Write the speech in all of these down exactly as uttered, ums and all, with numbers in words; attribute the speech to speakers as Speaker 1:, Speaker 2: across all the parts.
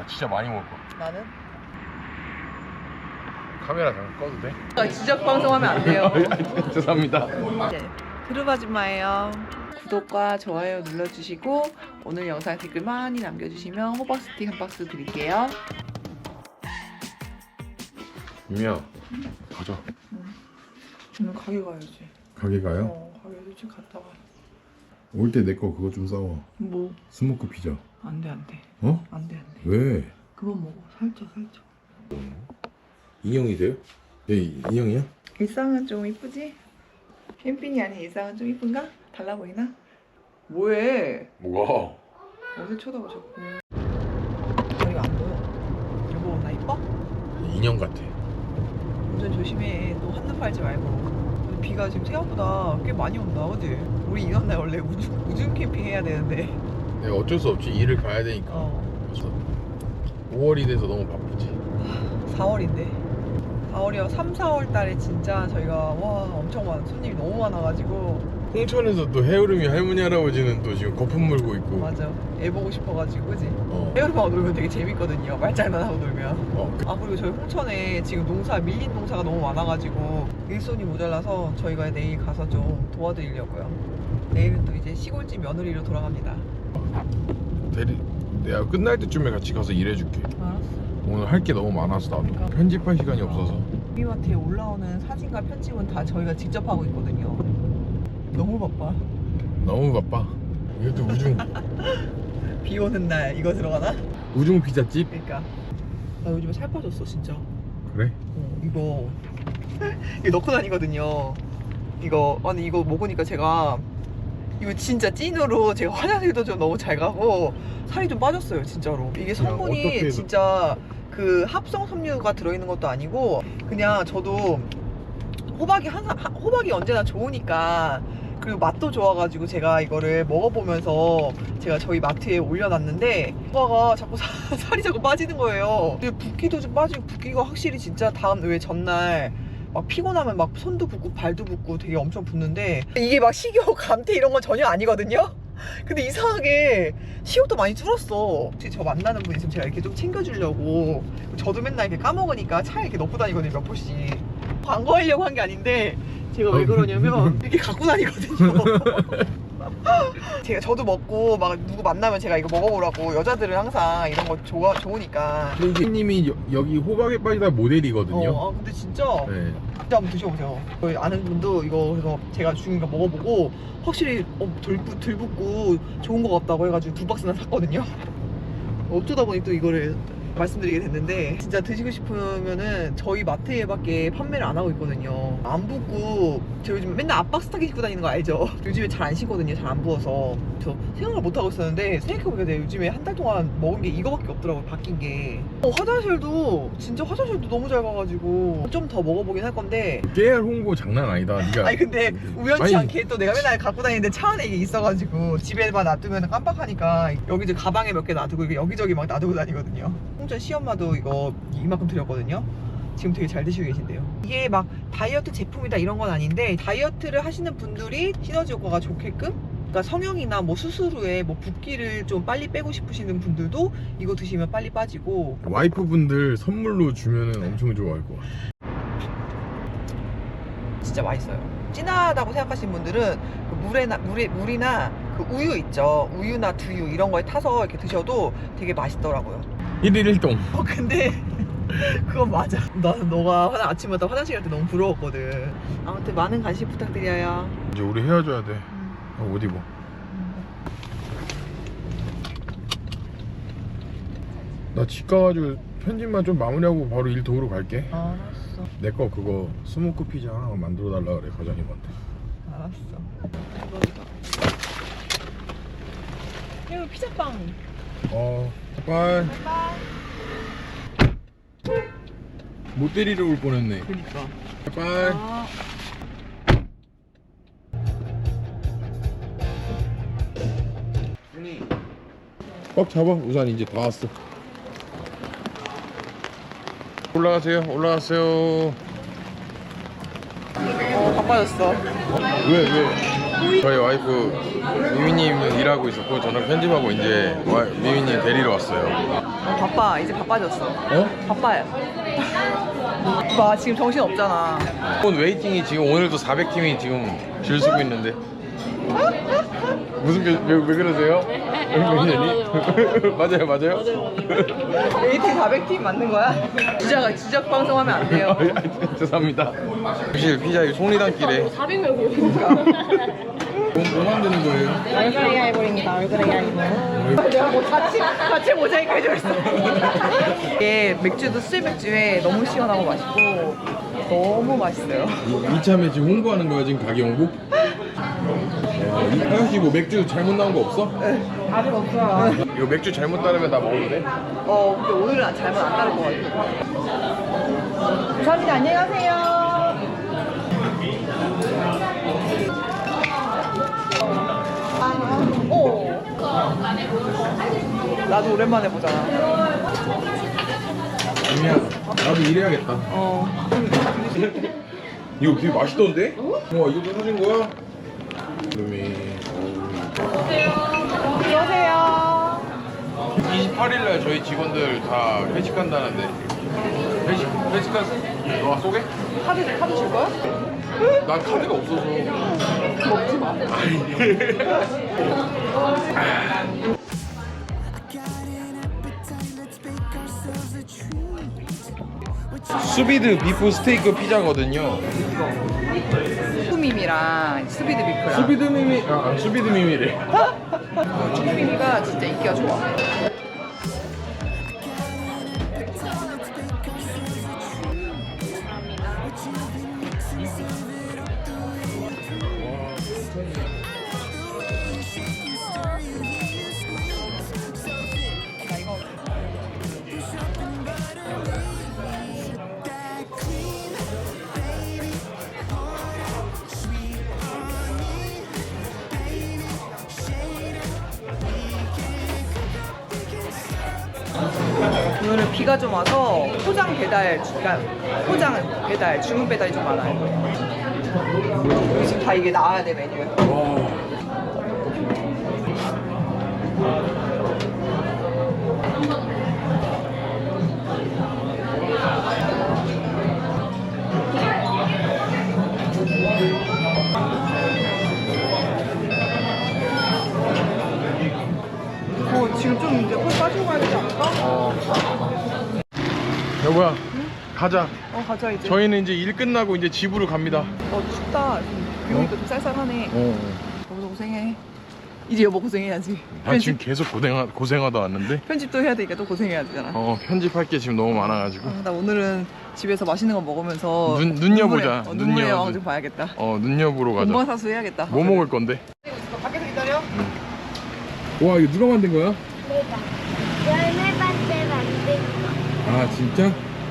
Speaker 1: 나 진짜 많이 먹을 거야.
Speaker 2: 나는?
Speaker 1: 카메라 잠깐 꺼도 돼?
Speaker 2: 아, 지적 방송하면 안 돼요.
Speaker 1: 죄송합니다.
Speaker 2: 네, 트루바지마예요. 구독과 좋아요 눌러주시고 오늘 영상 댓글 많이 남겨주시면 호박 스틱 한 박스 드릴게요.
Speaker 1: 유미야, 가자.
Speaker 2: 오늘 가게 가야지.
Speaker 1: 가게 가요?
Speaker 2: 어, 가게 일찍 갔다 와.
Speaker 1: 올 때 내 거 그거 좀 싸워.
Speaker 2: 뭐?
Speaker 1: 스모크 피자.
Speaker 2: 안 돼, 안 돼.
Speaker 1: 어?
Speaker 2: 안 돼, 안 돼.
Speaker 1: 왜?
Speaker 2: 그만 먹어. 살쪄, 살쪄.
Speaker 1: 인형이 돼요? 얘 인형이야?
Speaker 2: 일상은 좀 이쁘지? 캠핑이 아닌 일상은 좀 이쁜가? 달라 보이나? 뭐해?
Speaker 1: 뭐가?
Speaker 2: 어디 쳐다봐 자꾸. 이거 안 보여. 여보 나 이뻐?
Speaker 1: 인형 같아.
Speaker 2: 운전 조심해. 또 한눈 팔지 말고. 비가 지금 생각보다 꽤 많이 온다, 그지? 우리 이런 날 원래 우중, 우중 캠핑 해야 되는데.
Speaker 1: 내가 어쩔 수 없지. 일을 가야 되니까.
Speaker 2: 어.
Speaker 1: 그래서 오월이 돼서 너무 바쁘지.
Speaker 2: 사월인데. 사월이요. 삼, 사월 달에 진짜 저희가 와 엄청 많은 손님이 너무 많아가지고.
Speaker 1: 홍천에서 또 해오름이 할머니 할아버지는 또 지금 거품 물고 있고.
Speaker 2: 맞아. 애 보고 싶어가지고, 그지?
Speaker 1: 어.
Speaker 2: 헤어름하고 놀면 되게 재밌거든요. 말장난하고 놀면.
Speaker 1: 어.
Speaker 2: 아 그리고 저희 홍천에 지금 농사 밀린 농사가 너무 많아가지고 일손이 모자라서 저희가 내일 가서 좀 도와드리려고요. 내일은 또 이제 시골집 며느리로 돌아갑니다.
Speaker 1: 대리, 내가 끝날 때쯤에 같이 가서 일해줄게.
Speaker 2: 알았어.
Speaker 1: 오늘 할 게 너무 많아서 나도
Speaker 2: 그러니까.
Speaker 1: 편집할 시간이 없어서.
Speaker 2: 비마트에 올라오는 사진과 편집은 다 저희가 직접 하고 있거든요. 너무 바빠.
Speaker 1: 너무 바빠. 이것도 우중
Speaker 2: 비 오는 날 이거 들어가나?
Speaker 1: 우중 피자집?
Speaker 2: 그러니까 나 요즘에 살 빠졌어 진짜.
Speaker 1: 그래?
Speaker 2: 어, 이거 이거 넣고 다니거든요. 이거 아니 이거 먹으니까 제가 이거 진짜 찐으로 제가 화장실도 좀 너무 잘 가고 살이 좀 빠졌어요 진짜로. 이게 성분이
Speaker 1: 어떻게
Speaker 2: 진짜 그 합성 섬유가 들어있는 것도 아니고 그냥 저도 호박이 항상 호박이 언제나 좋으니까 그리고 맛도 좋아가지고 제가 이거를 먹어보면서 제가 저희 마트에 올려놨는데 호박가 자꾸 사, 살이 자꾸 빠지는 거예요. 붓기도 좀 빠지고 붓기가 확실히 진짜 다음 왜 전날 막 피곤하면 막 손도 붓고 발도 붓고 되게 엄청 붓는데 이게 막 식욕 감퇴 이런 건 전혀 아니거든요. 근데 이상하게 식욕도 많이 줄었어. 저 만나는 분이 있으면 제가 이렇게 좀 챙겨주려고 저도 맨날 이렇게 까먹으니까 차에 이렇게 넣고 다니거든요 몇 포씩. 광고하려고 한 게 아닌데 제가 왜 그러냐면 이렇게 갖고 다니거든요. 제가 저도 먹고 막 누구 만나면 제가 이거 먹어보라고. 여자들은 항상 이런 거 좋아, 좋으니까.
Speaker 1: 근데 님이 여기 호박에 빠지다 모델이거든요.
Speaker 2: 어, 아 근데 진짜
Speaker 1: 네.
Speaker 2: 진짜 한번 드셔보세요. 저희 아는 분도 이거 그래서 제가 주는 거 먹어보고 확실히 어, 덜, 붓- 덜 붓고 좋은 거 같다고 해가지고 두 박스나 샀거든요. 어쩌다 보니 또 이거를 말씀드리게 됐는데 진짜 드시고 싶으면은 저희 마트에밖에 판매를 안 하고 있거든요. 안 붓고 저 요즘 맨날 압박 스타킹 신고 다니는 거 알죠? 요즘에 잘 안 신거든요. 잘 안 부어서 저 생각을 못 하고 있었는데 생각해보니까 내가 요즘에 한 달 동안 먹은 게 이거밖에 없더라고요. 바뀐 게. 어, 화장실도 진짜 화장실도 너무 잘 가가지고 좀 더 먹어보긴 할 건데
Speaker 1: 깨알 홍보 장난 아니다. 네가.
Speaker 2: 아니 근데 우연치
Speaker 1: 아니.
Speaker 2: 않게 또 내가 맨날 갖고 다니는데 차 안에 이게 있어가지고 집에만 놔두면 깜빡하니까 여기 이제 가방에 몇 개 놔두고 이게 여기저기 막 놔두고 다니거든요. 홍천 시엄마도 이거 이만큼 드렸거든요. 지금 되게 잘 드시고 계신데요. 이게 막 다이어트 제품이다 이런 건 아닌데 다이어트를 하시는 분들이 시너지 효과가 좋게끔 그러니까 성형이나 뭐 수술 후에 뭐 붓기를 좀 빨리 빼고 싶으시는 분들도 이거 드시면 빨리 빠지고.
Speaker 1: 와이프분들 선물로 주면은 엄청 좋아할 것 같아.
Speaker 2: 진짜 맛있어요. 진하다고 생각하시는 분들은 그 물에나 물에 물이나 그 우유 있죠. 우유나 두유 이런 거에 타서 이렇게 드셔도 되게 맛있더라고요.
Speaker 1: 일일 일동.
Speaker 2: 어 근데 그건 맞아. 나는 너가 화장, 아침마다 화장실 갈 때 너무 부러웠거든. 아무튼 많은 관심 부탁드려요.
Speaker 1: 이제 우리 헤어져야 돼.
Speaker 2: 음.
Speaker 1: 아, 옷 입어. 나 집 가가지고 편집만 좀 마무리하고 바로 일 도우러 갈게.
Speaker 2: 알았어.
Speaker 1: 내 거 그거 스모크 피자 하나 만들어 달라 그래 과장님한테.
Speaker 2: 알았어. 이거 이거. 이거 피자빵.
Speaker 1: 어, 빠이.
Speaker 2: 바이바이.
Speaker 1: 못 데리러 올 뻔했네.
Speaker 2: 그니까.
Speaker 1: 빠이.
Speaker 2: 아.
Speaker 1: 꽉 잡아. 우산 이제 다 왔어. 올라가세요. 올라가세요.
Speaker 2: 어 바빠졌어.
Speaker 1: 왜 왜? 저희 와이프 미미님은 일하고 있었고 저는 편집하고 이제 와, 미미님 데리러 왔어요.
Speaker 2: 어, 바빠. 이제 바빠졌어.
Speaker 1: 어?
Speaker 2: 바빠요. 봐, 지금 정신 없잖아.
Speaker 1: 오늘 웨이팅이 지금 오늘도 사백 팀이 지금 줄 서고 있는데 무슨 게, 왜, 왜 그러세요? 매니저님? 맞아요 맞아요?
Speaker 2: 웨이팅 사백 팀 맞는 거야? 주작, 주작 방송하면 안 돼요.
Speaker 1: 죄송합니다. 사실 피자 송리단길에
Speaker 3: 사백 명이요.
Speaker 1: 뭐, 뭐 만드는 거예요?
Speaker 3: 얼굴 에이아이볼입니다. 얼굴 에이아이볼.
Speaker 2: 내가 뭐 자체, 자체 모자이크 해줘있어. 이게 맥주도 술 맥주에 너무 시원하고 맛있고 너무 맛있어요.
Speaker 1: 이, 이참에 지금 홍보하는 거야 지금 가게 홍보? 하연씨 뭐 맥주 잘못 나온 거 없어?
Speaker 2: 아직 없어요.
Speaker 1: 이거 맥주 잘못 따르면 나 먹어도 돼?
Speaker 2: 어, 근데 오늘은 잘못 안 따를 것 같아. 감사합니다. 안녕히 가세요. 어. 나도 오랜만에 보잖아.
Speaker 1: 미미야 나도 일해야겠다.
Speaker 2: 어.
Speaker 1: 이거 되게 맛있던데? 와 이것도 사준 거야? 미미
Speaker 2: 안녕하세요.
Speaker 1: 이십팔 일날 저희 직원들 다 회식한다는데 회식, 회식할 너가 쏘게?
Speaker 2: 카드, 카드 줄 거야?
Speaker 1: 난 카드가 없어서
Speaker 2: 먹지 마.
Speaker 1: 수비드 비프 스테이크 피자거든요.
Speaker 2: 수미미랑 스비드 비프랑.
Speaker 1: 수비드 미미 아 수비드 미미래.
Speaker 2: 수미미가 진짜 인기가 좋아. 오늘은 비가 좀 와서 포장 배달, 그러니까 포장 배달, 주문 배달이 좀 많아요. 지금 다 이게 나와야 돼 메뉴에. 어, 지금 좀 이제 펄 빠지고 가야 되지 않을까?
Speaker 1: 어. 여보야
Speaker 2: 응?
Speaker 1: 가자.
Speaker 2: 어, 가자 이제.
Speaker 1: 저희는 이제 일 끝나고 이제 집으로 갑니다.
Speaker 2: 어, 춥다. 비 오니까 좀 쌀쌀하네.
Speaker 1: 어.
Speaker 2: 여보도 고생해. 이제 여보 고생해야지.
Speaker 1: 아 지금 계속 고생하, 고생하다 왔는데
Speaker 2: 편집도 해야 되니까 또 고생해야 되잖아.
Speaker 1: 어 편집할 게 지금 너무 많아가지고
Speaker 2: 어, 나 오늘은 집에서 맛있는 거 먹으면서
Speaker 1: 눈- 눈여보자.
Speaker 2: 눈물의, 어, 눈물의
Speaker 1: 눈여-
Speaker 2: 여왕
Speaker 1: 눈-
Speaker 2: 좀 봐야겠다.
Speaker 1: 어 눈여보러 가자.
Speaker 2: 본방사수 해야겠다.
Speaker 1: 뭐 먹을 건데?
Speaker 2: 밖에서 기다려?
Speaker 1: 와 이거 누가 만든 거야?
Speaker 3: 내가 열매 밭에 만든
Speaker 1: 아 진짜?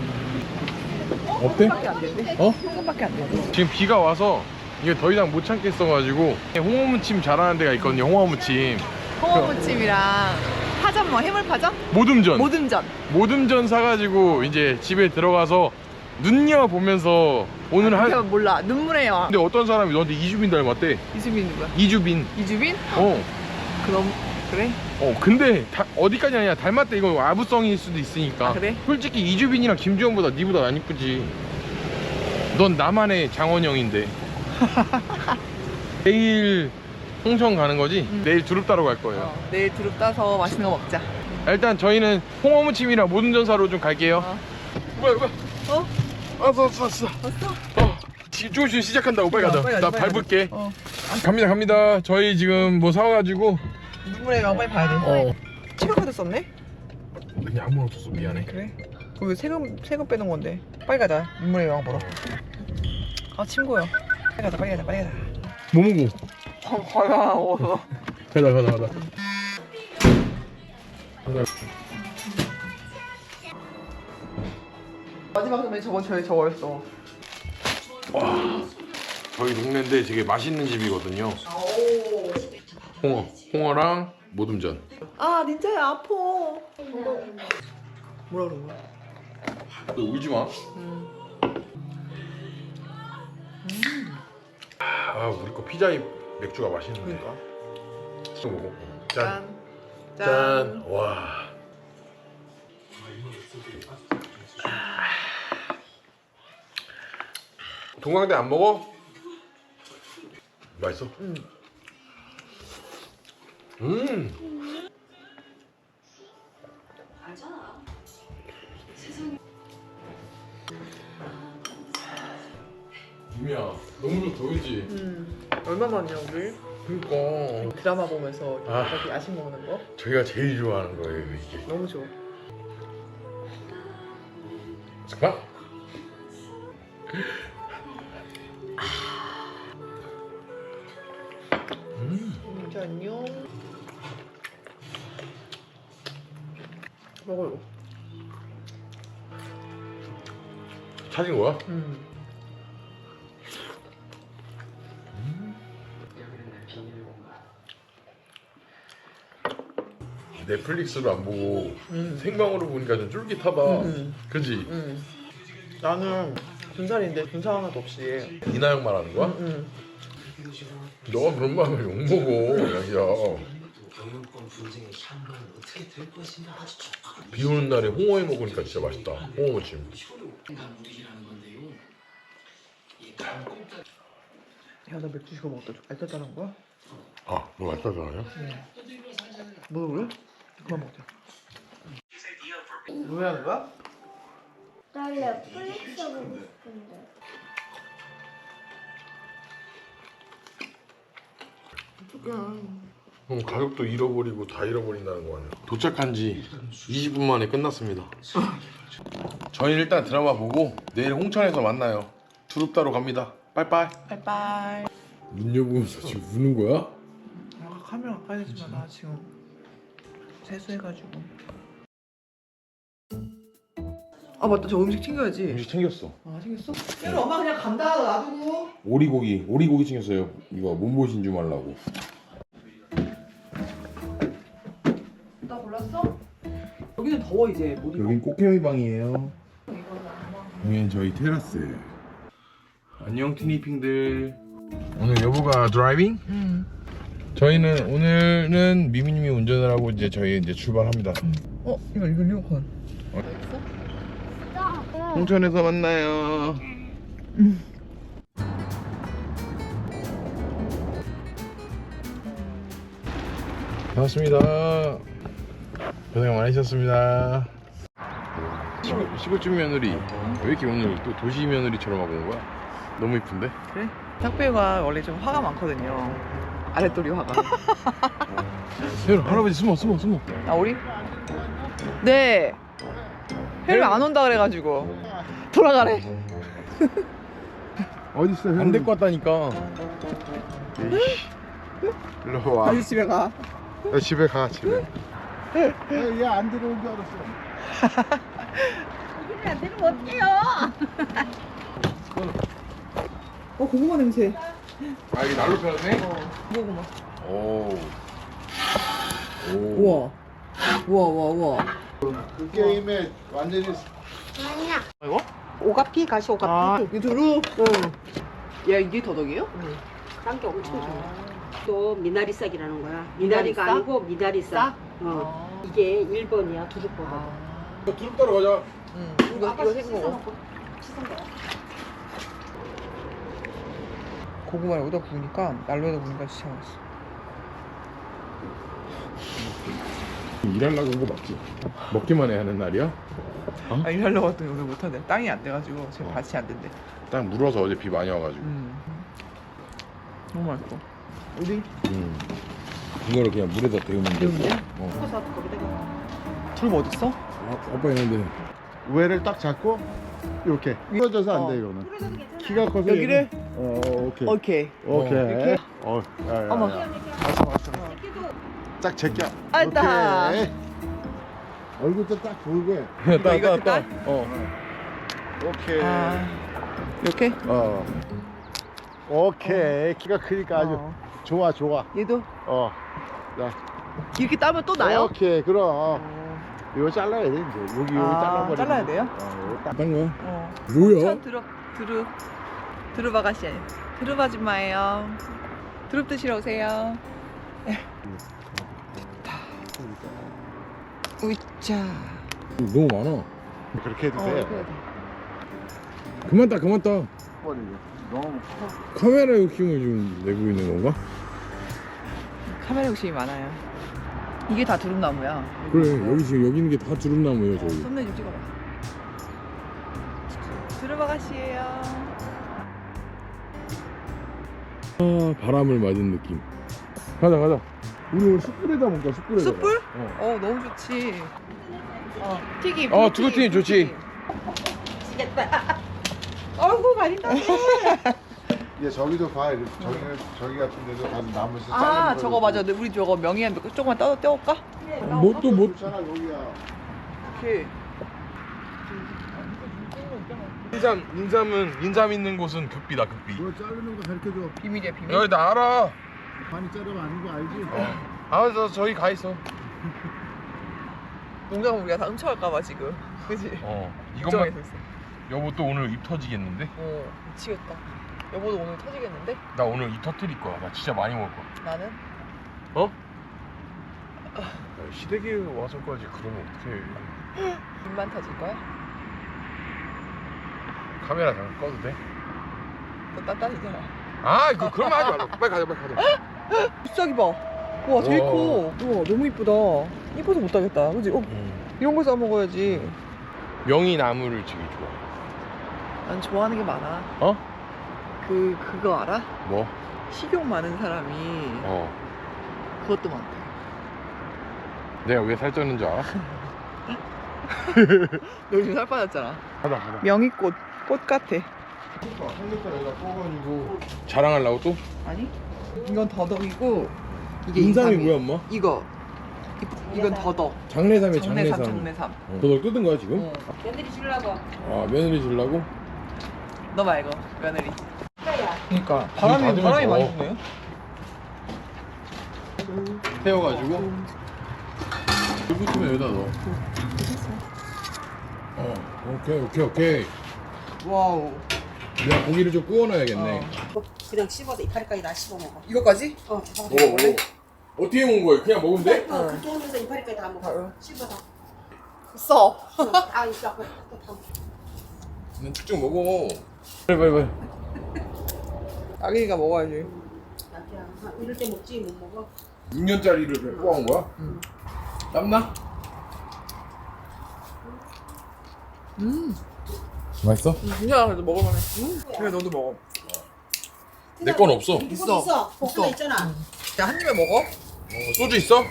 Speaker 1: 어때?
Speaker 2: 밖에 안 된대.
Speaker 1: 어?
Speaker 2: 현금밖에 안 된대.
Speaker 1: 지금 비가 와서 이게 더 이상 못 참겠어가지고 홍어무침 잘하는 데가 있거든요. 홍어무침
Speaker 2: 홍어무침이랑 파전 뭐 해물파전?
Speaker 1: 모듬전
Speaker 2: 모듬전.
Speaker 1: 모듬전 사가지고 이제 집에 들어가서 눈여 보면서 오늘 할
Speaker 2: 한... 몰라. 눈물의 여왕.
Speaker 1: 근데 어떤 사람이 너한테 이주빈 닮았대.
Speaker 2: 이수빈 누구야?
Speaker 1: 이주빈.
Speaker 2: 이주빈?
Speaker 1: 어.
Speaker 2: 그럼 그래?
Speaker 1: 어 근데 다, 어디까지 아니야 닮았대. 이거 아부성일 수도 있으니까.
Speaker 2: 아, 그래?
Speaker 1: 솔직히 이주빈이랑 김주현보다 니보다 안 이쁘지. 넌 나만의 장원영인데. 내일 홍천 가는 거지?
Speaker 2: 응.
Speaker 1: 내일 두릅 따러 갈 거예요.
Speaker 2: 어, 내일 두릅 따서 맛있는 거 먹자.
Speaker 1: 일단 저희는 홍어무침이랑 모듬전 사러 좀 갈게요.
Speaker 2: 어.
Speaker 1: 뭐야 뭐야.
Speaker 2: 어?
Speaker 1: 왔어 왔어 왔어.
Speaker 2: 왔어?
Speaker 1: 어. 지- 조금씩 시작한다고 빨리
Speaker 2: 어,
Speaker 1: 가자.
Speaker 2: 빨리 가자,
Speaker 1: 나
Speaker 2: 빨리
Speaker 1: 밟을게.
Speaker 2: 어.
Speaker 1: 갑니다 갑니다. 저희 지금 뭐 사와가지고
Speaker 2: 눈물의 여왕 빨리 봐야 돼.
Speaker 1: 어
Speaker 2: 체크카드 썼네?
Speaker 1: 그냥 아무나 없었어. 미안해.
Speaker 2: 그래? 그럼 왜 세금 세금 빼놓은 건데? 빨리 가자. 눈물의 여왕 보러. 아 친구야. 빨리 가자 빨리 가자 빨리 가자.
Speaker 1: 뭐 먹어?
Speaker 2: 어, 과야 어.
Speaker 1: 가자 가자 가자.
Speaker 2: 마지막 선배 저번 저희 저거였어.
Speaker 1: 와 저희 동네인데 되게 맛있는 집이거든요.
Speaker 2: 오.
Speaker 1: 홍어 홍어랑 모듬전.
Speaker 2: 아 닌자야 아파. 뭐라 그런 거야?
Speaker 1: 너 울지 마.
Speaker 2: 음.
Speaker 1: 아 우리 거 피자에 맥주가 맛있는데.
Speaker 2: 그러니까.
Speaker 1: 또 먹어. 짠.
Speaker 2: 짠.
Speaker 1: 짠. 와. 동강대 안 먹어? 맛있어?
Speaker 2: 응.
Speaker 1: 음. 유미야, 너무 좋다, 그지?
Speaker 2: 음. 얼마만이야 우리?
Speaker 1: 그러니까
Speaker 2: 드라마 보면서
Speaker 1: 아.
Speaker 2: 이렇게 야식 먹는 거?
Speaker 1: 저희가 제일 좋아하는 거예요, 이게.
Speaker 2: 너무 좋아.
Speaker 1: 잠깐. 음.
Speaker 2: 이제 안녕. 먹어요.
Speaker 1: 찾은 거야?
Speaker 2: 음.
Speaker 1: 넷플릭스로 안 보고
Speaker 2: 음.
Speaker 1: 생방으로 보니까 좀 쫄깃하다.
Speaker 2: 음.
Speaker 1: 그지?
Speaker 2: 음. 나는 군살인데 군살 하나도 없이.
Speaker 1: 이나영 말하는 거야?
Speaker 2: 음.
Speaker 1: 너가 그런 거 하면 욕먹어, 자기야.
Speaker 4: 경영권 분쟁의 향방은 어떻게 될 것인가 아주 촉박한
Speaker 1: 비 오는 날에 홍어회 먹으니까 진짜 맛있다. 홍어 무침.
Speaker 4: 효력인간 무리라는 건데요. 이 강공자
Speaker 2: 야, 나 맥주 시켜 먹었다. 알짜짜는 거야?
Speaker 1: 아, 너 맛있다잖아요?
Speaker 2: 뭐 그래? 그만 먹자. 왜 하는 거야?
Speaker 3: 나 넷플릭스 보고 싶은데.
Speaker 1: 그럼 가격도 잃어버리고 다 잃어버린다는 거 아니야? 도착한 지 이십 분 만에 끝났습니다. 저희는 일단 드라마 보고 내일 홍천에서 만나요. 두릅다로 갑니다. 빠이빠이.
Speaker 2: 빠이빠이.
Speaker 1: 문 열고서 지금 우는 거야?
Speaker 2: 아, 카메라 가까이 대지 마. 나 지금 세수해가지고. 아 맞다. 저 음식 챙겨야지.
Speaker 1: 음식 챙겼어.
Speaker 2: 아 챙겼어? 얘는 엄마 그냥 간다. 놔두고.
Speaker 1: 오리고기, 오리고기 챙겼어요. 이거 몸보신 좀 하려고.
Speaker 2: 나 골랐어? 여기는 더워 이제. 못 입어.
Speaker 1: 여긴 꽃게미 방이에요. 여기는 저희 테라스예요. 안녕 티니핑들. 오늘 여보가 드라이빙?
Speaker 2: 응.
Speaker 1: 저희는 오늘은 미미님이 운전을 하고 이제 저희 이제 출발합니다.
Speaker 2: 어 이거 이거 리모컨.
Speaker 1: 홍천에서 만나요. 반갑습니다. 고생 많으셨습니다. 시골, 시골집 며느리 왜 이렇게 오늘 또 도시 며느리처럼 하고 온 거야? 너무 이쁜데?
Speaker 2: 그래? 탁배가 원래 좀 화가 많거든요. 아랫도리 화가.
Speaker 1: 혜율 할아버지 숨어 숨어 숨어.
Speaker 2: 아 우리? 네. 혜리 안 온다 그래가지고 돌아가래.
Speaker 1: 어디 있어? 안 데리고 왔다니까. 일로 와.
Speaker 2: 다시 집에 가.
Speaker 1: 야, 집에 가 집에.
Speaker 5: 얘안 들어온 줄 알았어.
Speaker 3: 이게 안 되면 어떡해요?
Speaker 2: 어 고구마 냄새.
Speaker 1: 아 이게 날로 펴네?
Speaker 2: 고구마.
Speaker 1: 오. 오.
Speaker 2: 우와. 우와 우와 우와.
Speaker 5: 그 게임에 완전히
Speaker 3: 아니야.
Speaker 2: 이거?
Speaker 6: 오가피 가시 오가피.
Speaker 2: 아 이 두루.
Speaker 6: 응.
Speaker 2: 야 이게 더덕이에요?
Speaker 6: 딴 게 엄청 좋아.
Speaker 2: 아.
Speaker 6: 또 미나리 싹이라는 거야. 미나리가
Speaker 2: 미나리 싹?
Speaker 6: 아니고 미나리 싹. 어. 이게 일 번이야 두릅보다.
Speaker 2: 아.
Speaker 1: 두릅 따러 가자.
Speaker 2: 응. 이거 이거 생거. 고구마를 여기다 구우니까 난로에다 구우니까 진짜 맛있어.
Speaker 1: 일하려고 온 거 맞지? 먹기만 해야 하는 날이야?
Speaker 2: 아 일하려고 했더니 오늘 못하네. 땅이 안 돼가지고 지금
Speaker 1: 어.
Speaker 2: 밭이 안 된대.
Speaker 1: 딱 물어서 어제 비 많이 와가지고.
Speaker 2: 음. 너무 맛있어. 우리
Speaker 1: 음. 이거를 그냥 물에다 데우면 돼.
Speaker 2: 데우면 돼?
Speaker 1: 어.
Speaker 6: 커서 거기다가
Speaker 2: 두릅 어딨어?
Speaker 1: 아, 아빠 있는데.
Speaker 5: 우회를 딱 잡고 이렇게 떨어져서 안 돼
Speaker 2: 어.
Speaker 5: 이거는. 키가 커서
Speaker 2: 여기를?
Speaker 5: 얘는- 어 오케이
Speaker 2: 오케이.
Speaker 5: 오케이.
Speaker 2: 이렇게?
Speaker 5: 어, 야, 야,
Speaker 2: 어머.
Speaker 5: 야. 맞어 맞어. 딱 제껴.
Speaker 2: 알다.
Speaker 5: 오케이. 얼굴도 딱 보이게.
Speaker 2: 이거 이거 딸?
Speaker 5: 어. 오케이.
Speaker 2: 아 이렇게?
Speaker 5: 어. 오케이. 키가 크니까 아주
Speaker 2: 어.
Speaker 5: 좋아 좋아.
Speaker 2: 얘도
Speaker 5: 어. 자.
Speaker 2: 이렇게 따면 또 나요?
Speaker 5: 오케이 그럼.
Speaker 2: 어.
Speaker 5: 이거 잘라야 돼 이제. 여기 여기
Speaker 2: 아,
Speaker 5: 잘라버리면.
Speaker 2: 잘라야 돼요?
Speaker 5: 어, 이거 딱.
Speaker 1: 딴 거야?
Speaker 2: 어.
Speaker 1: 뭐야?
Speaker 2: 천 드릅 드릅 드릅 아가씨 아니야. 드릅 아줌마예요. 두릅 드시러 오세요. 으짜.
Speaker 1: 너무 많아.
Speaker 5: 그렇게 해도
Speaker 2: 어,
Speaker 5: 돼.
Speaker 2: 그래야 돼.
Speaker 1: 그만 따 그만 따.
Speaker 5: 버리고. 너무 커.
Speaker 1: 카메라 욕심을 좀 내고 있는 건가?
Speaker 2: 카메라 욕심이 많아요. 이게 다 두릅나무야.
Speaker 1: 그래 여기 지금 여기 있는 게 다 두릅나무예요 저기.
Speaker 2: 썸네일 좀 찍어봐. 두릅 아가씨예요.
Speaker 1: 아, 바람을 맞은 느낌. 가자 가자. 우리 오늘 숯불에다 먹자 숯불에다.
Speaker 2: 숯불?
Speaker 1: 어.
Speaker 2: 어 너무 좋지. 어 튀김.
Speaker 1: 어 두부튀김 좋지.
Speaker 2: 미치겠다. 어이구 가린다.
Speaker 5: 얘 저기도 봐. 이렇게 저기 저기 같은 데도 가서 나무에서
Speaker 2: 아
Speaker 5: 자르는
Speaker 2: 저거
Speaker 5: 거
Speaker 2: 맞아. 우리 저거 명이한 조금만 떠 떼올까?
Speaker 1: 뭐또 뭐?
Speaker 5: 좋잖아 여기야.
Speaker 2: 이렇게.
Speaker 1: 인삼 인삼은 인삼 있는 곳은 급비다 급비.
Speaker 5: 뭐 자르는 거 가르쳐줘.
Speaker 2: 비밀이야 비밀.
Speaker 1: 여기 나 알아.
Speaker 5: 많이 자르면 아닌 거 알지?
Speaker 1: 어. 알아서 저기 가 있어.
Speaker 2: 농장 우리가 다 훔쳐갈까봐 지금. 그지?
Speaker 1: 어.
Speaker 2: 걱정해서
Speaker 1: 이것만
Speaker 2: 있어.
Speaker 1: 여보 또 오늘 입 터지겠는데?
Speaker 2: 어 미치겠다. 여보도 오늘 터지겠는데?
Speaker 1: 나 오늘 입 터뜨릴 거야. 나 진짜 많이 먹을 거야.
Speaker 2: 나는?
Speaker 1: 어? 야, 시댁에 와서까지 그러면 어떡해.
Speaker 2: 입만 터질 거야?
Speaker 1: 카메라 잠깐 꺼도 돼?
Speaker 2: 너 딴딴이잖아.
Speaker 1: 아 이거 그런 말 하지 말라. 빨리 가자 빨리 가자.
Speaker 2: 비싸기 봐. 와 제일
Speaker 1: 와.
Speaker 2: 커. 우와 너무 이쁘다. 이뻐서 못 하겠다. 그지? 어 이런 거 싸 먹어야지.
Speaker 1: 명이 나무를 되게 좋아.
Speaker 2: 난 좋아하는 게 많아.
Speaker 1: 어?
Speaker 2: 그 그거 알아?
Speaker 1: 뭐?
Speaker 2: 식욕 많은 사람이
Speaker 1: 어.
Speaker 2: 그것도 많대.
Speaker 1: 내가 왜 살쪘는 줄 알아?
Speaker 2: 너 요즘 살 빠졌잖아.
Speaker 1: 가자 가자.
Speaker 2: 명이꽃 꽃 같아.
Speaker 1: 삼겹살 여기다 구워가지고 자랑하려고 또?
Speaker 2: 아니? 이건 더덕이고 이게
Speaker 1: 인삼이
Speaker 2: 인삼이.
Speaker 1: 뭐야 엄마?
Speaker 2: 이거 이- 이건 더덕.
Speaker 1: 장내삼이
Speaker 2: 장내삼
Speaker 1: 장내삼.
Speaker 2: 장내삼.
Speaker 1: 어. 더덕 뜯은 거야 지금?
Speaker 2: 어.
Speaker 6: 며느리 주려고.
Speaker 1: 아 며느리 주려고?
Speaker 2: 너 말고 며느리.
Speaker 6: 그래야.
Speaker 2: 그러니까
Speaker 1: 바람이-
Speaker 2: 바람이 바람이 많이
Speaker 1: 더.
Speaker 2: 부네요.
Speaker 1: 태워가지고 물 붙으면 여기다 넣어. 어 오케이 오케이 오케이.
Speaker 2: 와우.
Speaker 1: 내가 고기를 좀 구워놔야겠네.
Speaker 2: 어.
Speaker 6: 그냥 씹어서 이파리까지 다 씹어 먹어.
Speaker 2: 이거까지?
Speaker 6: 어, 다
Speaker 1: 뭐, 뭐 어떻게 먹은 거예요? 그냥 먹으면 돼?
Speaker 6: 어, 그렇게 하면서 이파리까지 다 먹어.
Speaker 2: 바로.
Speaker 6: 씹어서.
Speaker 2: 써.
Speaker 6: 어, 다 있어. 그거 다 먹어.
Speaker 1: 그냥 쭉쭉 먹어. 빨리 빨리 빨리.
Speaker 2: 아기가 먹어야지.
Speaker 6: 나 그냥 한 이럴 때 먹지 못 먹어.
Speaker 1: 육 년짜리를 뽑아온 거야?
Speaker 2: 응.
Speaker 1: 땀나?
Speaker 2: 음.
Speaker 1: 맛있어?
Speaker 2: 진짜 그래도 먹을만해. 음. 그래 너도 먹어.
Speaker 1: 내 건 없어.
Speaker 6: 이거
Speaker 2: 있어.
Speaker 6: 있어.
Speaker 2: 있어.
Speaker 6: 볶음에 있잖아.
Speaker 2: 자 한 입에 먹어.
Speaker 1: 어, 소주 있어?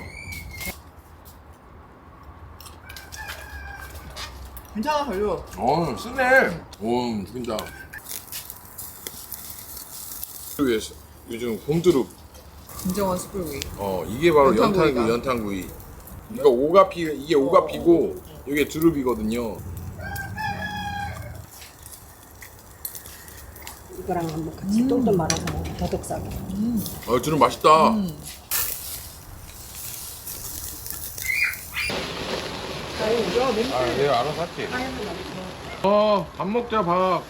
Speaker 2: 괜찮아 별로.
Speaker 1: 어 쓰네. 오 진짜. 위에 요즘 봄두릅.
Speaker 2: 진정한 숯불구이.
Speaker 1: 어 이게 바로
Speaker 2: 연탄구이다.
Speaker 1: 연탄구이 연탄구이. 이거 오가피 이게 오가피고 이게 두릅이거든요.
Speaker 6: 이거랑 한번 같이 똘똘 말아서 먹어. 더덕사고.
Speaker 1: 어 두릅 맛있다.
Speaker 2: 음. 아유 야 냄새.
Speaker 1: 아 내가 알아서 할게. 어밥 먹자 밥.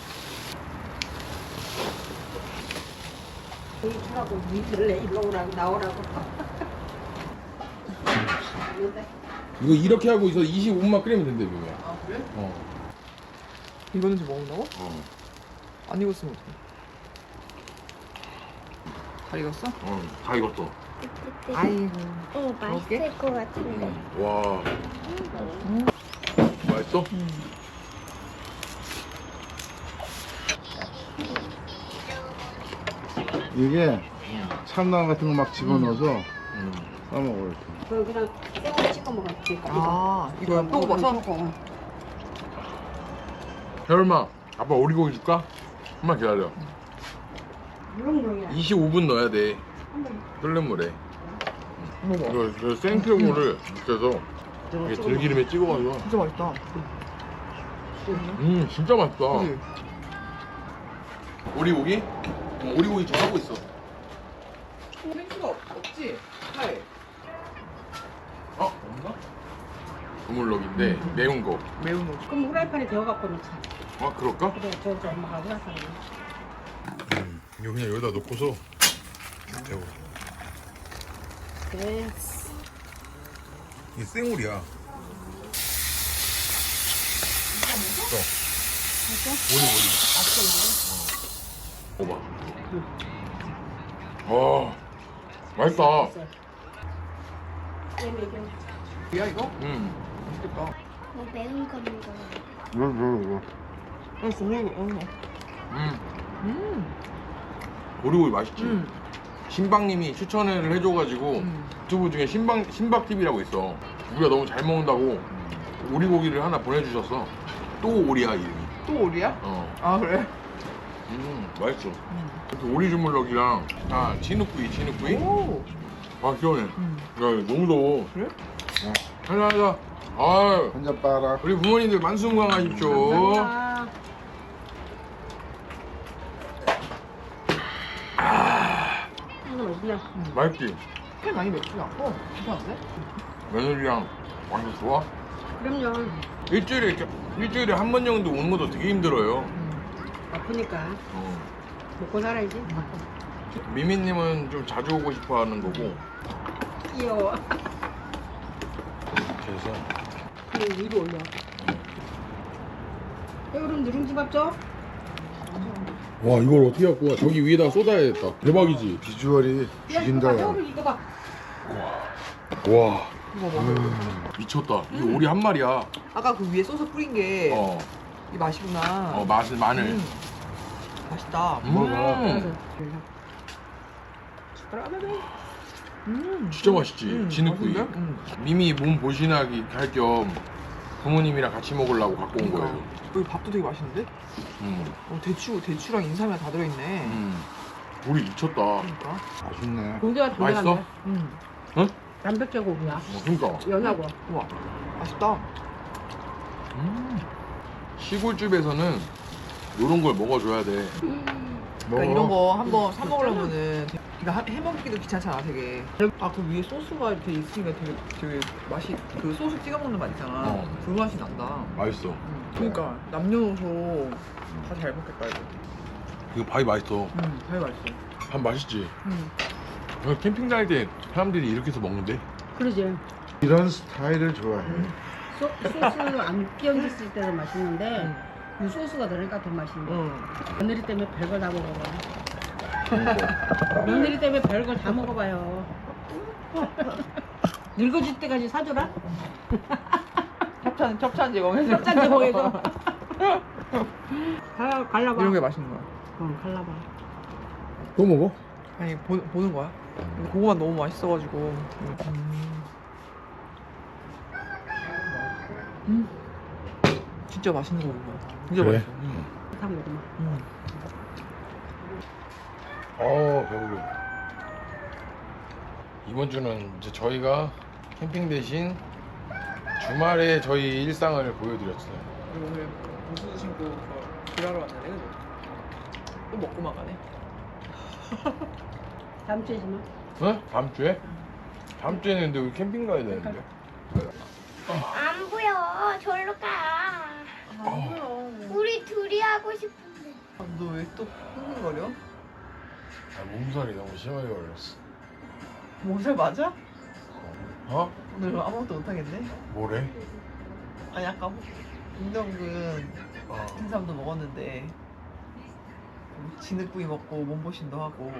Speaker 6: 여기 주라고 니들래 일로 오라고 나오라고.
Speaker 1: 이거 이렇게 하고 있어 이십오 분만 끓이면 된대 묘야.
Speaker 2: 아 그래?
Speaker 1: 어.
Speaker 2: 이거는 좀 먹는다고?
Speaker 1: 어.
Speaker 2: 안 익었으면 어떡해. 잘 익었어?
Speaker 1: 어. 다 익었어.
Speaker 2: 아이고.
Speaker 3: 어 맛있을 것 같은데.
Speaker 1: 와. 맛있어?
Speaker 5: 이게 참나무 같은 거 막 집어넣어서
Speaker 1: 음.
Speaker 5: 싸먹어 이렇게.
Speaker 6: 그럼 그냥 생으로 찍어 먹어. 그러니까
Speaker 2: 아 이거 또 먹어서?
Speaker 1: 혈마 아빠 오리고기 줄까? 한번 기다려.
Speaker 6: 물렁물렁이야.
Speaker 1: 이십오 분 넣어야 돼. 끓는 물에.
Speaker 2: 먹어.
Speaker 1: 이거, 이거 생표고를 묻혀서 이게 들기름에 찍어가지고.
Speaker 2: 진짜 맛있다.
Speaker 1: 음 진짜 맛있다.
Speaker 2: 그치?
Speaker 1: 오리고기? 어, 오리고기 좀 하고 있어.
Speaker 2: 생수가 없, 없지? 하이.
Speaker 1: 어? 없나? 우물럭인데 매운 거.
Speaker 2: 매운 거.
Speaker 6: 그럼 후라이팬에 데워갖고 넣자.
Speaker 1: 아 그럴까?
Speaker 6: 그래, 저, 저 엄마가 해놨어.
Speaker 1: 음, 이거 그냥 여기다 놓고서 대우.
Speaker 6: 네.
Speaker 1: 이게 생오리야. 또. 오리 오리. 먹어봐. 어, 맛있다.
Speaker 2: 야 이거?
Speaker 1: 음.
Speaker 2: 맛있겠다.
Speaker 3: 뭐 매운 거 먹어.
Speaker 5: 이거 이거 이거.
Speaker 2: 어, 정말 이거. 어.
Speaker 1: 음.
Speaker 2: 음.
Speaker 1: 오리오리 맛있지.
Speaker 2: 음.
Speaker 1: 신박님이 추천을 해줘가지고
Speaker 2: 음.
Speaker 1: 유튜브 중에 신박 신박 티비라고 있어. 우리가 너무 잘 먹는다고 오리고기를 하나 보내주셨어. 또 오리야 이름이.
Speaker 2: 또 오리야?
Speaker 1: 어.
Speaker 2: 아 그래?
Speaker 1: 음 맛있어. 그 오리 주물럭이랑 아 진흙구이 진흙구이.
Speaker 2: 오.
Speaker 1: 아 시원해.
Speaker 2: 음.
Speaker 1: 야 너무 더워.
Speaker 2: 그래?
Speaker 1: 하자 하자. 아
Speaker 5: 한 잔 빨아.
Speaker 1: 우리 부모님들 만수무강하십시오.
Speaker 6: 감사합니다. 이거 맛있냐?
Speaker 1: 맛있지?
Speaker 2: 꽤 많이 맵지 않고 괜찮은데?
Speaker 1: 며느리랑 완전 좋아.
Speaker 6: 그럼요.
Speaker 1: 일주일에 이렇게- 일주일에 한 번 정도 오는 것도 되게 힘들어요.
Speaker 2: 음.
Speaker 6: 아프니까
Speaker 1: 어.
Speaker 6: 먹고 살아야지.
Speaker 1: 미미님은 좀 자주 오고 싶어하는 거고.
Speaker 6: 귀여워.
Speaker 1: 그래서
Speaker 6: 그리고 위로 올려. 여름 누룽지밥 줘?
Speaker 1: 와 이걸 어떻게 갖고 와? 저기 위에다 쏟아야겠다. 대박이지.
Speaker 5: 비주얼이 죽인다.
Speaker 6: 야, 이거 봐, 이거 봐.
Speaker 1: 와
Speaker 2: 이거 먹어.
Speaker 1: 미쳤다. 이게 오리 한 마리야.
Speaker 2: 아까 그 위에 소스 뿌린 게 이
Speaker 1: 어,
Speaker 2: 맛이구나.
Speaker 1: 어 맛은 마늘.
Speaker 2: 음. 맛있다.
Speaker 1: 음.
Speaker 5: 먹어봐.
Speaker 2: 음.
Speaker 1: 진짜 맛있지.
Speaker 2: 음,
Speaker 1: 진흙구이.
Speaker 2: 맛있는데? 음.
Speaker 1: 미미 몸 보신하기 할 겸 부모님이랑 같이 먹으려고 갖고 온
Speaker 2: 그러니까.
Speaker 1: 거예요.
Speaker 2: 여기 밥도 되게 맛있는데?
Speaker 1: 음.
Speaker 2: 어, 대추, 대추랑 인삼이랑 다 들어있네.
Speaker 1: 음. 오리 미쳤다.
Speaker 2: 그러니까.
Speaker 5: 맛있네.
Speaker 6: 고기가
Speaker 1: 맛있어?
Speaker 6: 담백한데?
Speaker 2: 음.
Speaker 1: 응?
Speaker 6: 담백해 고기야.
Speaker 1: 어, 그러니까.
Speaker 6: 연하고.
Speaker 2: 우와. 맛있다.
Speaker 1: 음. 시골집에서는 이런 걸 먹어줘야 돼.
Speaker 2: 그러니까 이런 거 한번 사 먹으려면은 되게- 그러니까 해 먹기도 귀찮잖아 되게. 아 그 위에 소스가 이렇게 있으니까 되게 되게 맛이 그 소스 찍어 먹는 맛 있잖아.
Speaker 1: 어.
Speaker 2: 그 맛이 난다.
Speaker 1: 맛있어.
Speaker 2: 음. 그러니까 남녀노소 다 잘 먹겠다 이거.
Speaker 1: 이거 밥이 맛있어.
Speaker 2: 음, 되게 맛있어.
Speaker 1: 밥 맛있지.
Speaker 2: 음.
Speaker 1: 여기 캠핑 다닐 때 사람들이 이렇게 해서 먹는데.
Speaker 6: 그러지.
Speaker 5: 이런 스타일을 좋아해.
Speaker 6: 소, 소스 안 끼얹었을 때도 맛있는데
Speaker 2: 음.
Speaker 6: 이 소스가 들어가니까 더 맛있네.
Speaker 2: 음.
Speaker 6: 며느리 때문에 별걸 다 먹어봐.
Speaker 1: 그러니까.
Speaker 6: 며느리 때문에 별걸 다 먹어봐요. 늙어질 때까지 사줘라.
Speaker 2: 협찬 협찬 제공해서.
Speaker 6: 협찬 제공해서. 가, 갈라봐.
Speaker 2: 이런 게 맛있는 거야.
Speaker 6: 응, 갈라봐.
Speaker 1: 또 먹어?
Speaker 2: 아니 보, 보는 거야. 근데 그거만 너무 맛있어가지고. 음. 음. 진짜 맛있는 거 먹는 거야. 진짜
Speaker 1: 그래?
Speaker 2: 맛있어. 음.
Speaker 6: 다 먹어봐.
Speaker 2: 음.
Speaker 1: 어 배불러. 이번 주는 이제 저희가 캠핑 대신 주말에 저희 일상을 보여드렸어요.
Speaker 2: 그리고 오늘 무슨 신고 저 일하러 왔는데 그죠? 또 먹고만 가네.
Speaker 6: 다음 주에지만.
Speaker 1: 어? 다음 주에? 다음 주에는 근데 우리 캠핑 가야 되는데.
Speaker 3: 안 보여. 절로 가.
Speaker 2: 아, 뭐야.
Speaker 3: 우리 둘이 하고 싶은데.
Speaker 2: 너 왜 또 흥분거려?
Speaker 1: 아, 몸살이 너무 심하게 걸렸어.
Speaker 2: 몸살 맞아?
Speaker 1: 어?
Speaker 2: 오늘 아무것도 못하겠네.
Speaker 1: 뭐래?
Speaker 2: 아니 아까 김정근
Speaker 1: 어.
Speaker 2: 인삼도 먹었는데 진흙구이 먹고 몸보신도 하고.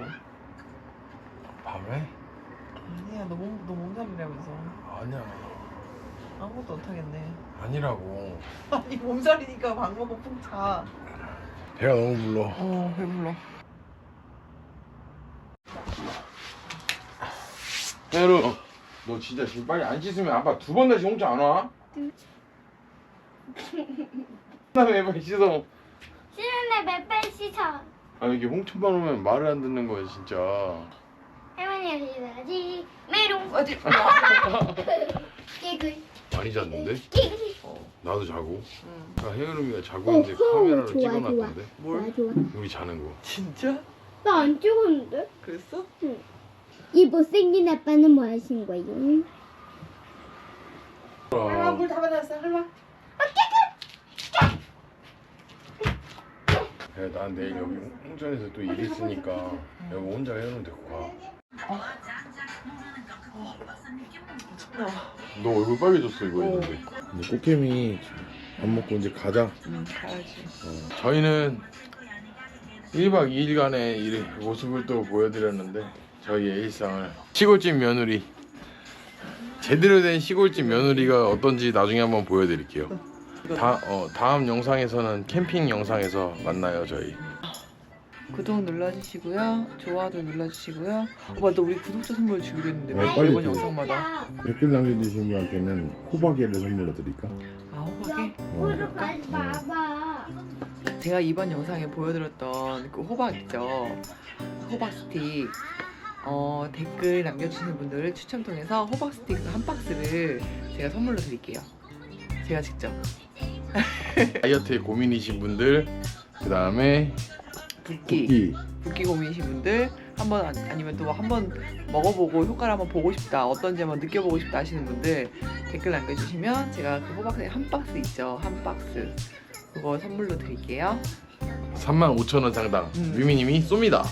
Speaker 1: 밤에?
Speaker 2: 아니야 너 몸 너 몸살이라면서
Speaker 1: 아니야.
Speaker 2: 아무것도 못하겠네.
Speaker 1: 아니라고.
Speaker 2: 아니 몸살이니까 밥 먹고 푹 자.
Speaker 1: 배가 너무 불러.
Speaker 2: 어 배불러.
Speaker 1: 혜루, 너 진짜 지금 빨리 안 씻으면 아빠 두 번 다시 홍차 안 와? 나왜 빨리 씻어?
Speaker 3: 씻는데 몇번 씻어.
Speaker 1: 아 이게 홍천만 오면 말을 안 듣는 거야 진짜.
Speaker 3: 할머니가 씻어야지. 메롱.
Speaker 2: 어디?
Speaker 3: 깨글.
Speaker 1: 많이 잤는데?
Speaker 3: 깨글.
Speaker 1: 나도 자고.
Speaker 2: 응.
Speaker 1: 아까 혜은이가 자고 있는데 카메라로
Speaker 3: 좋아,
Speaker 1: 찍어놨던데.
Speaker 2: 뭘?
Speaker 3: 좋아.
Speaker 1: 우리 자는 거.
Speaker 2: 진짜?
Speaker 3: 나 안 찍었는데?
Speaker 2: 그랬어?
Speaker 3: 이 못생긴 아빠는 뭐 하신 거예요?
Speaker 6: 할마 물 다 받았어, 할마.
Speaker 1: 야, 난 내일 여기 홍천에서 또 일 있으니까 여기 혼자 해놓으면 되고 가. 너 얼굴 빨개졌어 이거 했는데. 이제 꽃게미 밥 먹고 이제 가자.
Speaker 2: 응, 가야지.
Speaker 1: 어, 저희는 일 박 이 일간의 이 모습을 또 보여드렸는데 저희의 일상을 시골집 며느리 제대로 된 시골집 며느리가 어떤지 나중에 한번 보여드릴게요. 다, 어, 다음 영상에서는 캠핑 영상에서 만나요 저희.
Speaker 2: 구독 눌러주시고요. 좋아도 눌러주시고요. 오빠 너 우리 구독자 선물 주기로 했는데
Speaker 1: 네,
Speaker 2: 왜
Speaker 1: 빨리
Speaker 2: 이번
Speaker 1: 줘.
Speaker 2: 영상마다
Speaker 1: 댓글 남겨주신 분한테는 호박이를 선물로 드릴까?
Speaker 2: 아 호박에?
Speaker 3: 옆으로 가지 마봐.
Speaker 2: 제가 이번 영상에 보여드렸던 그 호박 있죠? 호박 스틱 어, 댓글 남겨주시는 분들을 추첨 통해서 호박 스틱 한 박스를 제가 선물로 드릴게요. 제가 직접.
Speaker 1: 다이어트에 고민이신 분들, 그 다음에
Speaker 2: 붓기
Speaker 1: 붓기,
Speaker 2: 붓기 고민이신 분들 한번 아니- 아니면 또 한번 먹어보고 효과를 한번 보고 싶다 어떤지 한번 느껴보고 싶다 하시는 분들 댓글 남겨주시면 제가 그 호박스틱 한 박스 있죠? 한 박스 그거 선물로 드릴게요.
Speaker 1: 삼만 오천 원 상당
Speaker 2: 음.
Speaker 1: 유미님이 쏩니다.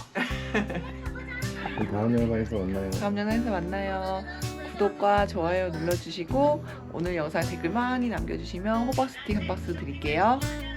Speaker 1: 다음 영상에서 만나요.
Speaker 2: 다음 영상에서 만나요. 구독과 좋아요 눌러주시고 오늘 영상 댓글 많이 남겨주시면 호박 스틱 한 박스 드릴게요.